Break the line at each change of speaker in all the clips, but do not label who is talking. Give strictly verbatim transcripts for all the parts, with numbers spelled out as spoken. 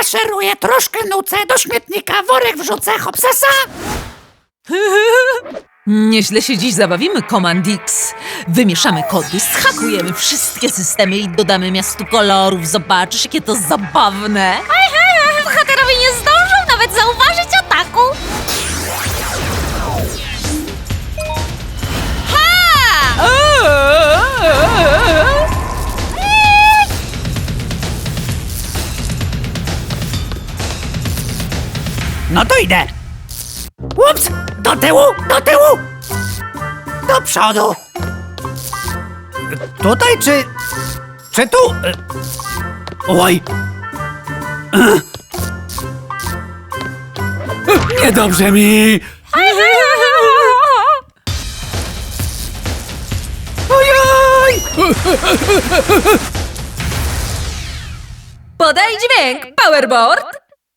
Maszeruję, troszkę nucę, do śmietnika worek wrzucę, hopsasa!
Nieźle się dziś zabawimy, Command X. Wymieszamy kody, zhakujemy wszystkie systemy i dodamy miastu kolorów. Zobaczysz, jakie to zabawne.
Bohaterowie nie zdążą nawet zauważyć ataku. Ha!
No to idę! Ups! Do tyłu, do tyłu! Do przodu! Tutaj czy... czy tu? Oj! Niedobrze mi! Ojoj!
Podaj dźwięk, Powerboard.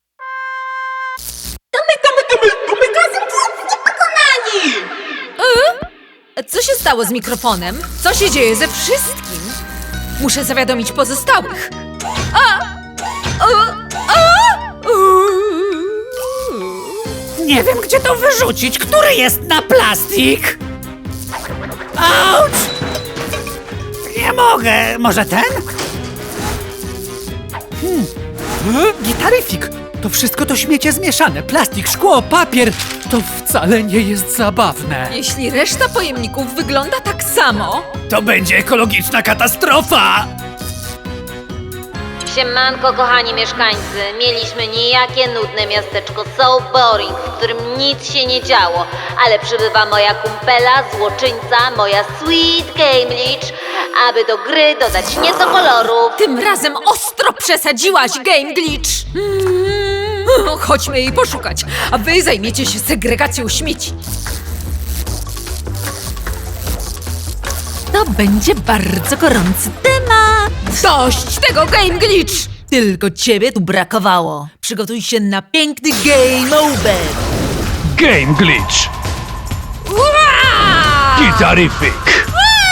E? Co się stało z mikrofonem? Co się dzieje ze wszystkim? Muszę zawiadomić pozostałych. A! O! O! Uuu.
Nie wiem, gdzie to wyrzucić. Który jest na plastik? Auć! Nie mogę. Może ten? Hmm. Gitaryfik. To wszystko to śmiecie zmieszane. Plastik, szkło, papier. To wcale nie jest zabawne.
Jeśli reszta pojemników wygląda tak samo,
To będzie ekologiczna katastrofa.
Siemanko, kochani mieszkańcy. Mieliśmy nijakie, nudne miasteczko So Boring, w którym nic się nie działo. Ale przybywa moja kumpela, złoczyńca, moja Sweet Game Leech, aby do gry dodać nieco kolorów.
tym razem ostro przesadziłaś, Game Glitch. Mm. Chodźmy jej poszukać, a wy zajmiecie się segregacją śmieci. To będzie bardzo gorący temat. Dość tego, Game Glitch! Tylko ciebie tu brakowało. Przygotuj się na piękny game over.
Game Glitch!
Ua!
Gitaryfik!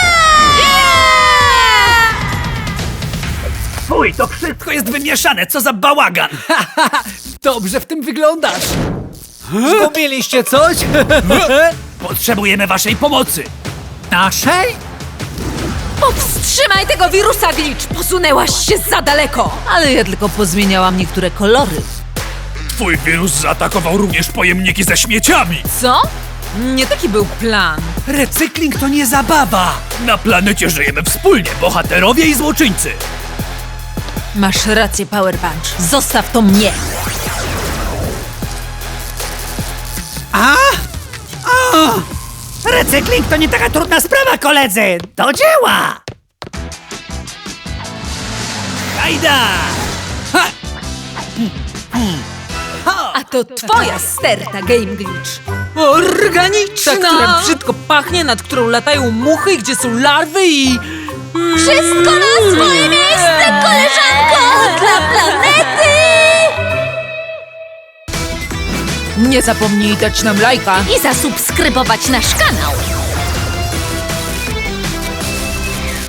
Fuj, to wszystko jest wymieszane. Co za bałagan. Dobrze w tym wyglądasz. Zgubiliście coś? Potrzebujemy waszej pomocy. Naszej?
Powstrzymaj tego wirusa, Glitch! Posunęłaś się za daleko! Ale ja tylko pozmieniałam niektóre kolory.
Twój wirus zaatakował również pojemniki ze śmieciami!
Co? Nie taki był plan.
Recykling to nie zabawa.
Na planecie żyjemy wspólnie, bohaterowie i złoczyńcy!
Masz rację, Power Punch. Zostaw to mnie.
A? O! Recykling to nie taka trudna sprawa, koledzy! Do dzieła! Hajda! Ha!
A to twoja sterta, Game Glitch. Organiczna! Ta, która brzydko pachnie, nad którą latają muchy, i gdzie są larwy i...
Wszystko na swoje miejsce, koleżanko! Dla planety!
Nie zapomnij dać nam lajka.
I zasubskrybować nasz kanał.